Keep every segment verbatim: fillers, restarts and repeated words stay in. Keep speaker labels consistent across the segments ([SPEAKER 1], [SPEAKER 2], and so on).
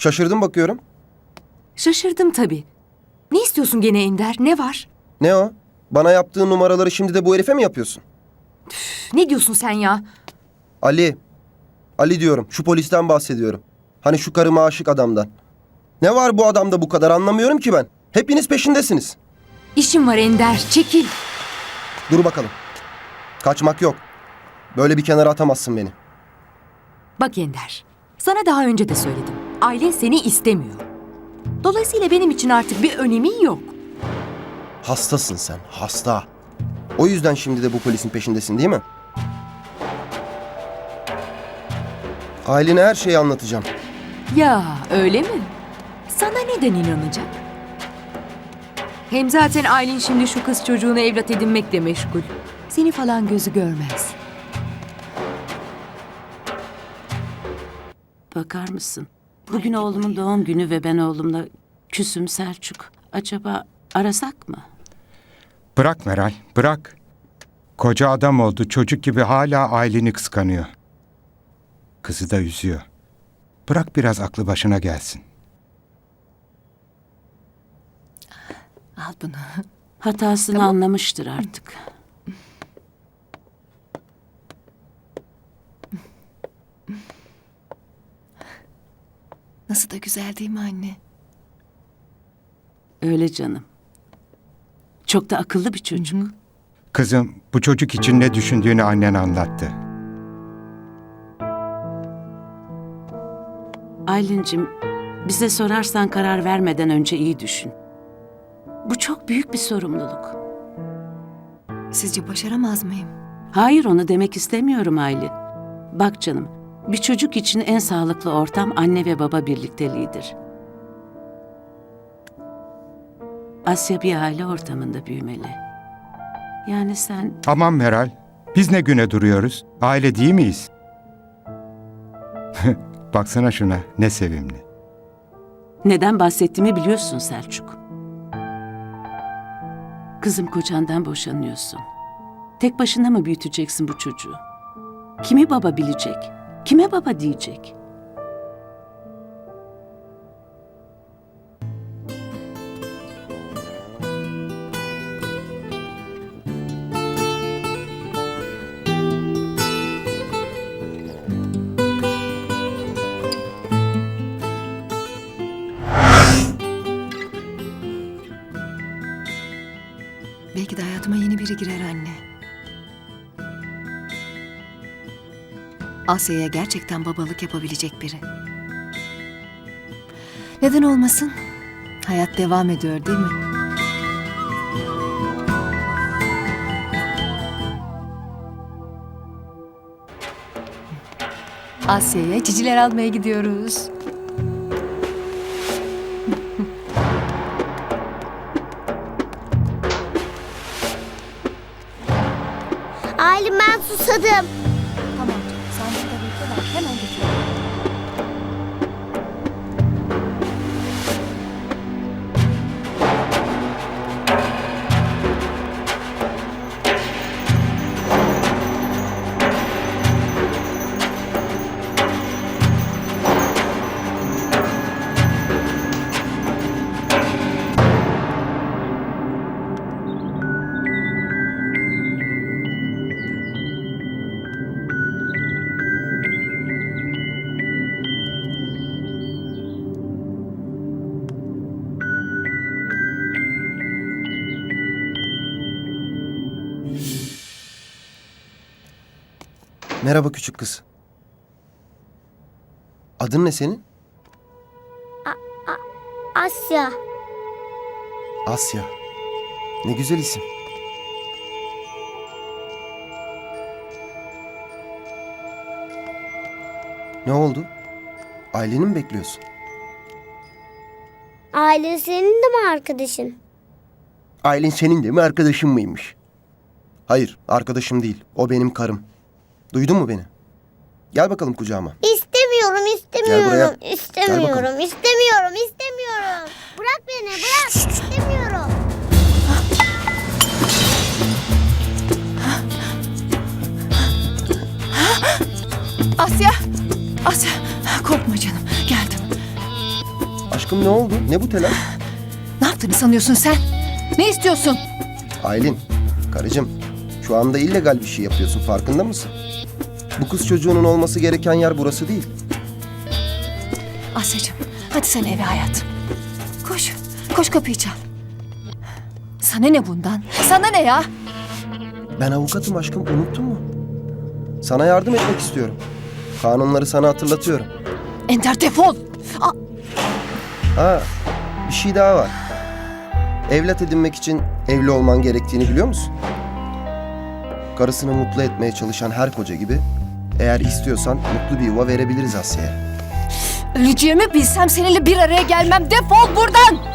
[SPEAKER 1] Şaşırdım bakıyorum.
[SPEAKER 2] Şaşırdım tabii. Ne istiyorsun gene Ender? Ne var?
[SPEAKER 1] Ne o? Bana yaptığın numaraları şimdi de bu herife mi yapıyorsun?
[SPEAKER 2] Üf, ne diyorsun sen ya?
[SPEAKER 1] Ali. Ali diyorum. Şu polisten bahsediyorum. Hani şu karıma aşık adamdan. Ne var bu adamda bu kadar anlamıyorum ki ben. Hepiniz peşindesiniz.
[SPEAKER 2] İşim var Ender. Çekil.
[SPEAKER 1] Dur bakalım. Kaçmak yok. Böyle bir kenara atamazsın beni.
[SPEAKER 2] Bak Ender. Sana daha önce de söyledim. Ailen seni istemiyor. Dolayısıyla benim için artık bir önemi yok.
[SPEAKER 1] Hastasın sen. Hasta. O yüzden şimdi de bu polisin peşindesin değil mi? Ailene her şeyi anlatacağım.
[SPEAKER 2] Ya öyle mi? Sana neden inanacak? Hem zaten Aylin şimdi şu kız çocuğunu evlat edinmekle meşgul. Seni falan gözü görmez.
[SPEAKER 3] Bakar mısın? Bugün oğlumun doğum günü ve ben oğlumla küsüm Selçuk. Acaba arasak mı?
[SPEAKER 4] Bırak Meral, bırak. Koca adam oldu, çocuk gibi hala aileni kıskanıyor. Kızı da üzüyor. Bırak biraz aklı başına gelsin.
[SPEAKER 2] Al bunu.
[SPEAKER 3] Hatasını
[SPEAKER 2] Tamam.
[SPEAKER 3] anlamıştır artık.
[SPEAKER 2] Nasıl da güzel değil mi anne?
[SPEAKER 3] Öyle canım. Çok da akıllı bir çocuk.
[SPEAKER 4] Kızım, bu çocuk için ne düşündüğünü annen anlattı.
[SPEAKER 3] Aylin'cim, bize sorarsan karar vermeden önce iyi düşün. Bu çok büyük bir sorumluluk.
[SPEAKER 2] Sizce başaramaz mıyım?
[SPEAKER 3] Hayır, onu demek istemiyorum Aylin. Bak canım, bir çocuk için en sağlıklı ortam anne ve baba birlikteliğidir. Asya bir aile ortamında büyümeli. Yani sen...
[SPEAKER 4] Aman Meral, biz ne güne duruyoruz? Aile değil miyiz? Baksana şuna, ne sevimli.
[SPEAKER 3] Neden bahsettiğimi biliyorsun Selçuk. Kızım, kocandan boşanıyorsun. Tek başına mı büyüteceksin bu çocuğu? Kimi baba bilecek? Kime baba diyecek?
[SPEAKER 2] Belki de hayatıma yeni biri girer anne. Asya'ya gerçekten babalık yapabilecek biri. Neden olmasın? Hayat devam ediyor değil mi? Asya'ya ciciler almaya gidiyoruz.
[SPEAKER 5] Aylin, ben susadım.
[SPEAKER 2] Tamam canım, sen burada bekle, ben hemen getiriyorum.
[SPEAKER 1] Merhaba küçük kız. Adın ne senin?
[SPEAKER 5] Asya.
[SPEAKER 1] Asya. Ne güzel isim. Ne oldu? Aileni mi bekliyorsun?
[SPEAKER 5] Aylin senin de mi arkadaşın?
[SPEAKER 1] Aylin senin de mi arkadaşın mıymış? Hayır, arkadaşım değil. O benim karım. Duydun mu beni? Gel bakalım kucağıma.
[SPEAKER 5] İstemiyorum,
[SPEAKER 1] Gel buraya.
[SPEAKER 5] istemiyorum,
[SPEAKER 1] Gel
[SPEAKER 5] istemiyorum,
[SPEAKER 1] bakalım.
[SPEAKER 5] istemiyorum, istemiyorum. Bırak beni, bırak. İstemiyorum.
[SPEAKER 2] Asya! Asya! Korkma canım, geldim.
[SPEAKER 1] Aşkım ne oldu? Ne bu telaş?
[SPEAKER 6] Ne yaptığını sanıyorsun sen? Ne istiyorsun?
[SPEAKER 1] Aylin, karıcığım. Şu anda illegal bir şey yapıyorsun. Farkında mısın? Bu kız çocuğunun olması gereken yer burası değil.
[SPEAKER 6] Asya'cığım hadi sen eve hayatım. Koş. Koş kapıyı çal. Sana ne bundan? Sana ne ya?
[SPEAKER 1] Ben avukatım aşkım. Unuttun mu? Sana yardım etmek istiyorum. Kanunları sana hatırlatıyorum.
[SPEAKER 6] Ender defol. Aa,
[SPEAKER 1] Ha, bir şey daha var. Evlat edinmek için evli olman gerektiğini biliyor musun? Karısını mutlu etmeye çalışan her koca gibi eğer istiyorsan mutlu bir yuva verebiliriz Asya'ya.
[SPEAKER 6] öleceğimi bilsem seninle bir araya gelmem. Defol buradan.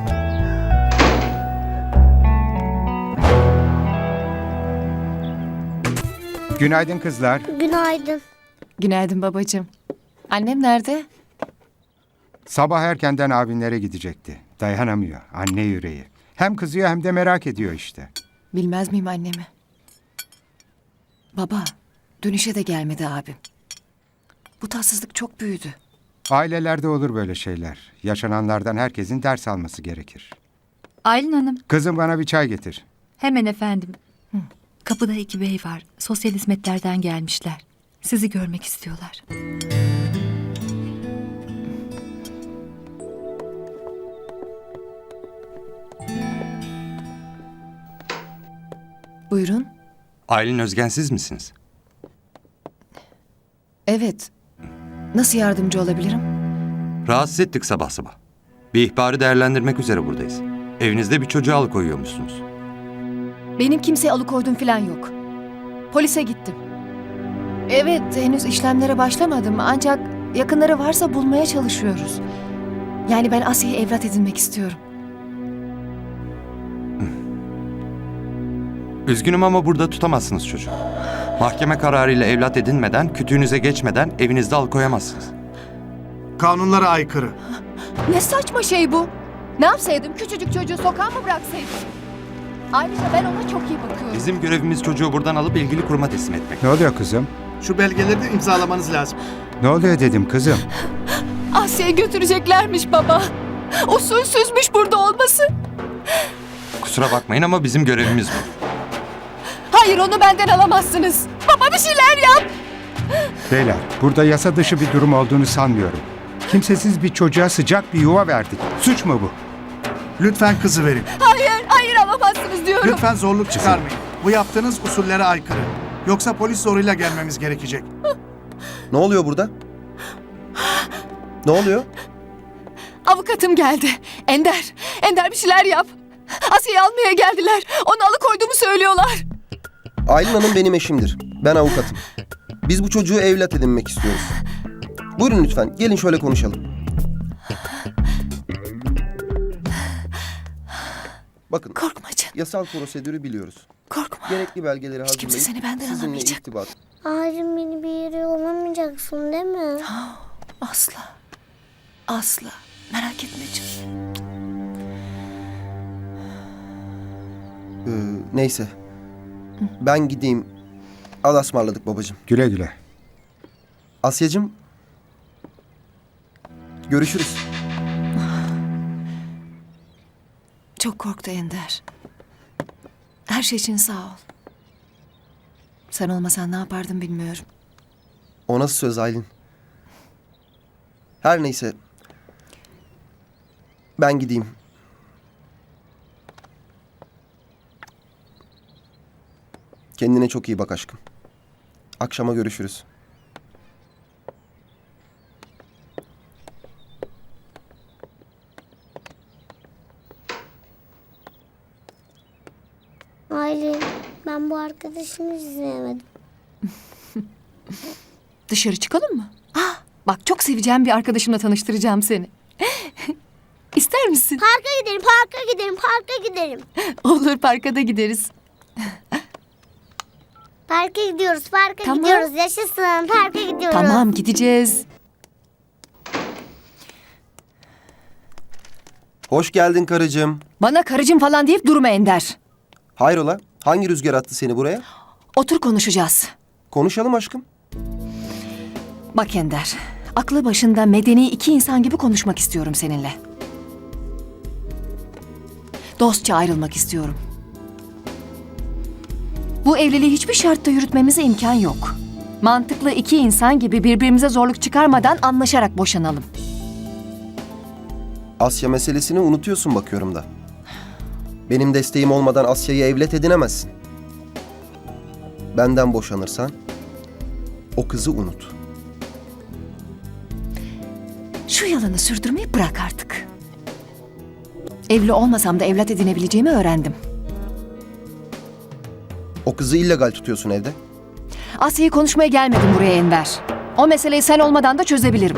[SPEAKER 4] Günaydın kızlar.
[SPEAKER 5] Günaydın.
[SPEAKER 6] Günaydın babacığım. Annem nerede?
[SPEAKER 4] Sabah erkenden abinlere gidecekti. Dayanamıyor. Anne yüreği. Hem kızıyor hem de merak ediyor işte.
[SPEAKER 6] Bilmez miyim annemi? Baba, dönüşe de gelmedi abim. Bu tatsızlık çok büyüdü.
[SPEAKER 4] Ailelerde olur böyle şeyler. Yaşananlardan herkesin ders alması gerekir.
[SPEAKER 7] Aylin Hanım,
[SPEAKER 4] Kızım bana bir çay getir.
[SPEAKER 7] hemen efendim. Kapıda iki bey var. Sosyal hizmetlerden gelmişler. Sizi görmek istiyorlar.
[SPEAKER 6] Buyurun.
[SPEAKER 8] Aylin Özgen siz misiniz?
[SPEAKER 6] Evet. Nasıl yardımcı olabilirim?
[SPEAKER 8] Rahatsız ettik sabah sabah. Bir ihbarı değerlendirmek üzere buradayız. Evinizde bir çocuğu alıkoyuyormuşsunuz.
[SPEAKER 6] Benim kimseye alıkoydum falan yok. Polise gittim. Evet, henüz işlemlere başlamadım ancak yakınları varsa bulmaya çalışıyoruz. Yani ben Asya'yı evlat edinmek istiyorum.
[SPEAKER 8] Üzgünüm ama burada tutamazsınız çocuğu. Mahkeme kararıyla evlat edinmeden, kütüğünüze geçmeden evinizde alıkoyamazsınız.
[SPEAKER 9] Kanunlara aykırı.
[SPEAKER 6] Ne saçma şey bu? Ne yapsaydım? Küçücük çocuğu sokağa mı bıraksaydım? Ayrıca ben ona çok iyi bakıyorum.
[SPEAKER 8] Bizim görevimiz çocuğu buradan alıp ilgili kuruma teslim etmek.
[SPEAKER 4] Ne oluyor kızım?
[SPEAKER 9] Şu belgeleri de imzalamanız lazım.
[SPEAKER 4] Ne oluyor dedim kızım.
[SPEAKER 6] Asya'yı götüreceklermiş baba. Usulsüzmüş burada olması.
[SPEAKER 8] Kusura bakmayın ama bizim görevimiz bu.
[SPEAKER 6] Hayır, onu benden alamazsınız. Baba bir şeyler yap.
[SPEAKER 4] Beyler, burada yasa dışı bir durum olduğunu sanmıyorum. Kimsesiz bir çocuğa sıcak bir yuva verdik. Suç mu bu?
[SPEAKER 9] Lütfen kızı verin.
[SPEAKER 6] Hayır, hayır alamazsınız diyorum.
[SPEAKER 9] Lütfen zorluk çıkarmayın. Bu yaptığınız usullere aykırı. Yoksa polis zoruyla gelmemiz gerekecek.
[SPEAKER 1] Ne oluyor burada? Ne oluyor?
[SPEAKER 6] Avukatım geldi. Ender, Ender bir şeyler yap. Asya'yı almaya geldiler. Onu alıkoyduğumu söylüyorlar.
[SPEAKER 1] Aylin Hanım benim eşimdir. Ben avukatım. Biz bu çocuğu evlat edinmek istiyoruz. Buyurun lütfen. Gelin şöyle konuşalım. Bakın,
[SPEAKER 6] Korkma canım,
[SPEAKER 1] yasal prosedürü biliyoruz.
[SPEAKER 6] korkma.
[SPEAKER 1] Gerekli belgeleri
[SPEAKER 6] Hiç kimse
[SPEAKER 1] hazırlayıp
[SPEAKER 6] seni benden
[SPEAKER 1] sizinle
[SPEAKER 6] alamayacak.
[SPEAKER 1] irtibat.
[SPEAKER 5] Ağacım beni bir yere yollamayacaksın değil mi?
[SPEAKER 6] Asla, asla. Merak etme canım.
[SPEAKER 1] Ee, neyse. Ben gideyim. Allah'a ısmarladık babacığım.
[SPEAKER 4] Güle güle.
[SPEAKER 1] Asya'cığım. Görüşürüz.
[SPEAKER 6] Çok korktu Ender. Her şey için sağ ol. Sen olmasan ne yapardım bilmiyorum.
[SPEAKER 1] O nasıl söz Aylin? Her neyse. Ben gideyim. Kendine çok iyi bak aşkım. Akşama görüşürüz.
[SPEAKER 5] Aylin, ben bu arkadaşımı hiç sevmedim.
[SPEAKER 6] Dışarı çıkalım mı? Ah, bak çok seveceğim bir arkadaşımla tanıştıracağım seni. İster misin?
[SPEAKER 5] Parka gidelim, parka gidelim, parka gidelim.
[SPEAKER 6] Olur, parka da gideriz.
[SPEAKER 5] Parka gidiyoruz, parka
[SPEAKER 6] Tamam.
[SPEAKER 5] gidiyoruz. Yaşasın, parka gidiyoruz.
[SPEAKER 6] Tamam, gideceğiz.
[SPEAKER 1] Hoş geldin karıcığım.
[SPEAKER 6] Bana karıcığım falan deyip durma Ender.
[SPEAKER 1] Hayrola? Hangi rüzgar attı seni buraya?
[SPEAKER 6] Otur konuşacağız.
[SPEAKER 1] Konuşalım aşkım.
[SPEAKER 6] Bak Ender, Aklı başında medeni iki insan gibi konuşmak istiyorum seninle. Dostça ayrılmak istiyorum. Bu evliliği hiçbir şartta yürütmemize imkan yok. Mantıklı iki insan gibi birbirimize zorluk çıkarmadan anlaşarak boşanalım.
[SPEAKER 1] Asya meselesini unutuyorsun bakıyorum da. Benim desteğim olmadan Asya'yı evlat edinemezsin. Benden boşanırsan o kızı unut.
[SPEAKER 6] Şu yalanı sürdürmeyi bırak artık. Evli olmasam da evlat edinebileceğimi öğrendim.
[SPEAKER 1] O kızı illegal tutuyorsun evde.
[SPEAKER 6] Asya'yı konuşmaya gelmedim buraya Enver. O meseleyi sen olmadan da çözebilirim.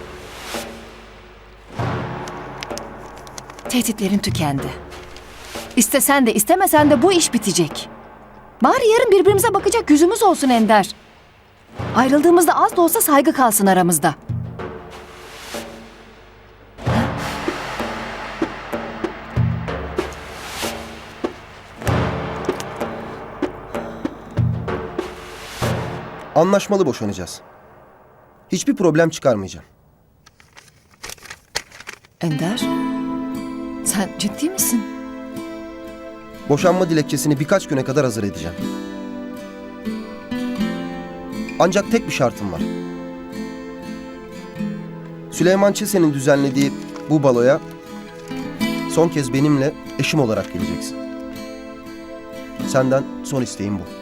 [SPEAKER 6] Tehditlerin tükendi. İstesen de istemesen de bu iş bitecek. Bari yarın birbirimize bakacak yüzümüz olsun Ender. Ayrıldığımızda az da olsa saygı kalsın aramızda.
[SPEAKER 1] Anlaşmalı boşanacağız. Hiçbir problem çıkarmayacağım.
[SPEAKER 6] Ender, sen ciddi misin?
[SPEAKER 1] Boşanma dilekçesini birkaç güne kadar hazır edeceğim. Ancak tek bir şartım var. Süleyman Çesen'in düzenlediği bu baloya son kez benimle eşim olarak geleceksin. Senden son isteğim bu.